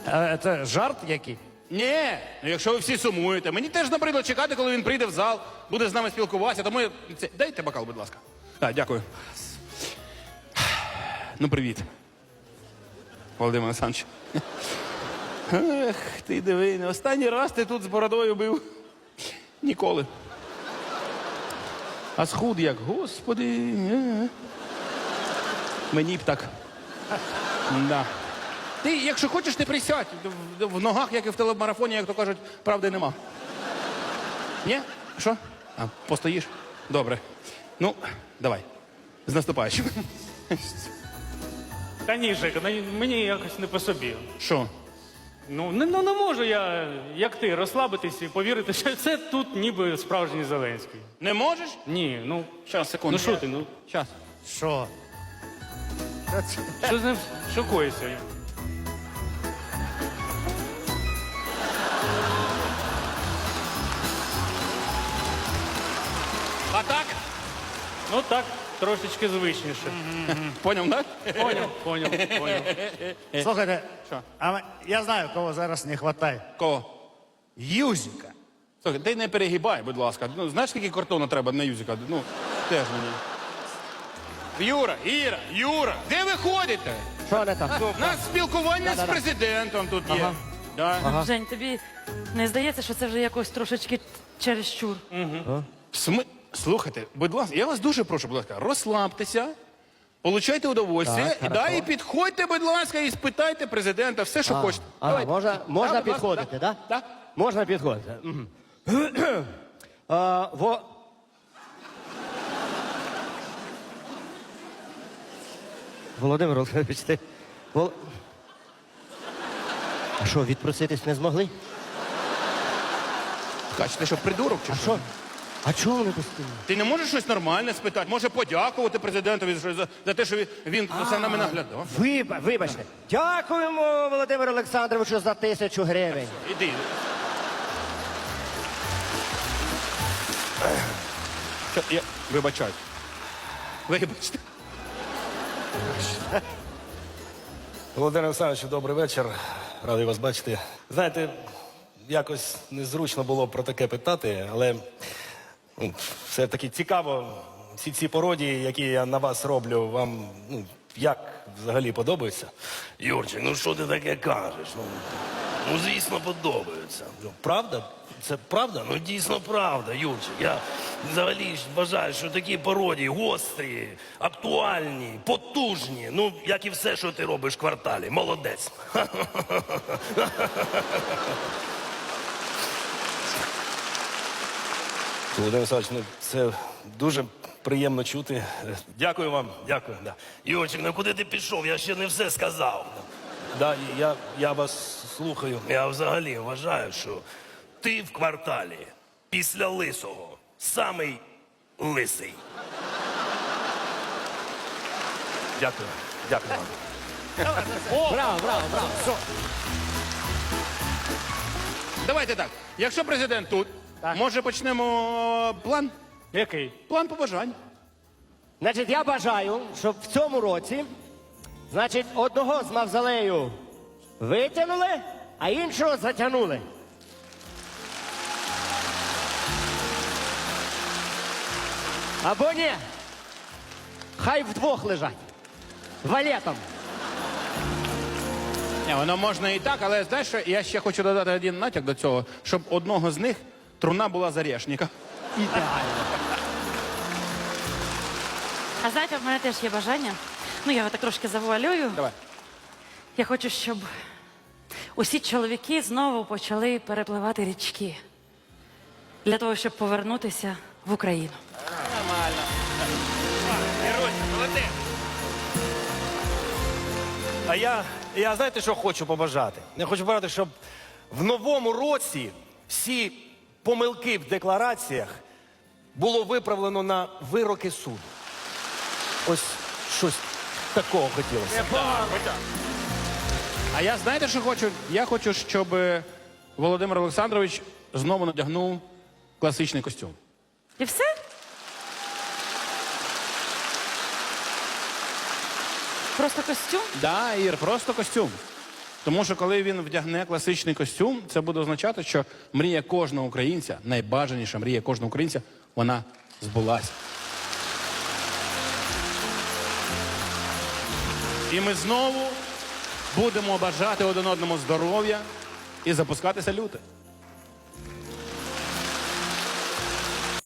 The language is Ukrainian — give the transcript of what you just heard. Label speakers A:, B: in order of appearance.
A: Це жарт який?
B: Ні, ну якщо ви всі сумуєте. Мені теж набридло чекати, коли він прийде в зал, буде з нами спілкуватися, тому я... Дайте бокал, будь ласка. Так, дякую. Ну, привіт. Володимир Олександрович. Ех, ти диви, не останній раз ти тут з бородою бив. Ніколи. А схуд як, господи. Мені б так. Да. Ти, якщо хочеш, ти присядь. В ногах, як і в телемарафоні, як то кажуть, правди нема. Ні? Що? А, постоїш? Добре. Ну, давай. З наступаючим.
C: Та ні, Жека, мені якось не по собі.
B: Що?
C: Ну, не можу я, як ти, розслабитись і повірити, що це тут ніби справжній Зеленський.
B: Не можеш?
C: Ні, ну,
B: Щас, секунду.
C: ну що ти, ну,
B: Щас.
A: Що?
C: що з ним шокуєшся?
B: А так?
C: Ну так, трошечки звичніше.
B: Поняв, так?
C: Поняв.
A: Слухайте,
B: Що?
A: я знаю, кого зараз не вистачає.
B: Кого?
A: Юзіка.
B: Слухай, ти не перегибай, будь ласка. Ну, знаєш, скільки картону треба на юзика? Ну, теж мені. Юра, де ви ходите?
A: Що не так?
B: У нас спілкування з президентом тут є. Да.
D: Жень, тобі не здається, що це вже якось трошечки чересчур?
B: Слухайте, будь ласка, я вас дуже прошу, будь ласка, розслабтеся, получайте удовольствие, і підходьте, будь ласка, і спитайте президента все, що хочете. Давайте.
E: Можна
B: Да, будь ласка,
E: підходити, так?
B: Да.
E: Можна підходити. Володимир Олександрович, ти... А що, відпроситись не змогли?
B: Кач, ти що, придурок чи
E: А
B: що?
E: що? А чого вони постійно?
B: Ти не можеш щось нормальне спитати? Може подякувати президентові за те, що він за нами наглядав?
E: Вибачте. Дякуємо, Володимиру Олександровичу, за 1000 гривень.
B: Іди. Що, я вибачаю. Вибачте.
F: Володимир Олександрович, добрий вечір. Радий вас бачити. Знаєте, якось незручно було про таке питати, але все-таки цікаво, всі ці пародії, які я на вас роблю, вам як взагалі подобаються?
G: Юрчик, ну що ти таке кажеш? Ну звісно, подобаються.
F: Правда?
G: Це правда? Ну дійсно правда, Юрчик. Я взагалі ж вважаю, що такі пародії гострі, актуальні, потужні. Ну, як і все, що ти робиш в кварталі. Молодець.
F: Володимир Олександрович, це дуже приємно чути.
G: Дякую вам, дякую. Да. Юрчик, ну куди ти пішов? Я ще не все сказав.
F: Да, я вас слухаю.
G: Я взагалі вважаю, що ти в кварталі після лисого самий лисий.
F: Дякую. Дякую вам.
B: Давайте так. Якщо президент тут, може почнемо план?
C: Який?
B: План побажань.
E: Значить, я бажаю, щоб в цьому році, значить, одного з мавзолею витягнули, а іншого затягнули. Або ні. Хай вдвох лежать. Валетом.
B: Ні, воно можна і так, але знаєш, що я ще хочу додати один натяк до цього, щоб одного з них труна була з орешника.
E: Ідеально.
D: А знаєте, в мене теж є бажання. Ну, я його так трошки завуалюю.
B: Давай.
D: Я хочу, щоб усі чоловіки знову почали перепливати річки. Для того, щоб повернутися в Україну.
F: А я знаєте, що хочу побажати? Я хочу побажати, щоб в новому році всі помилки в деклараціях було виправлено на вироки суду. Ось щось такого хотілося.
B: А я знаєте, що хочу? Я хочу, щоб Володимир Олександрович знову надягнув класичний костюм.
D: І все? Просто костюм?
B: Да, Ір, просто костюм. Тому що коли він вдягне класичний костюм, це буде означати, що мрія кожного українця, найбажаніша мрія кожного українця, вона збулася. І ми знову будемо бажати один одному здоров'я і запускати салюти.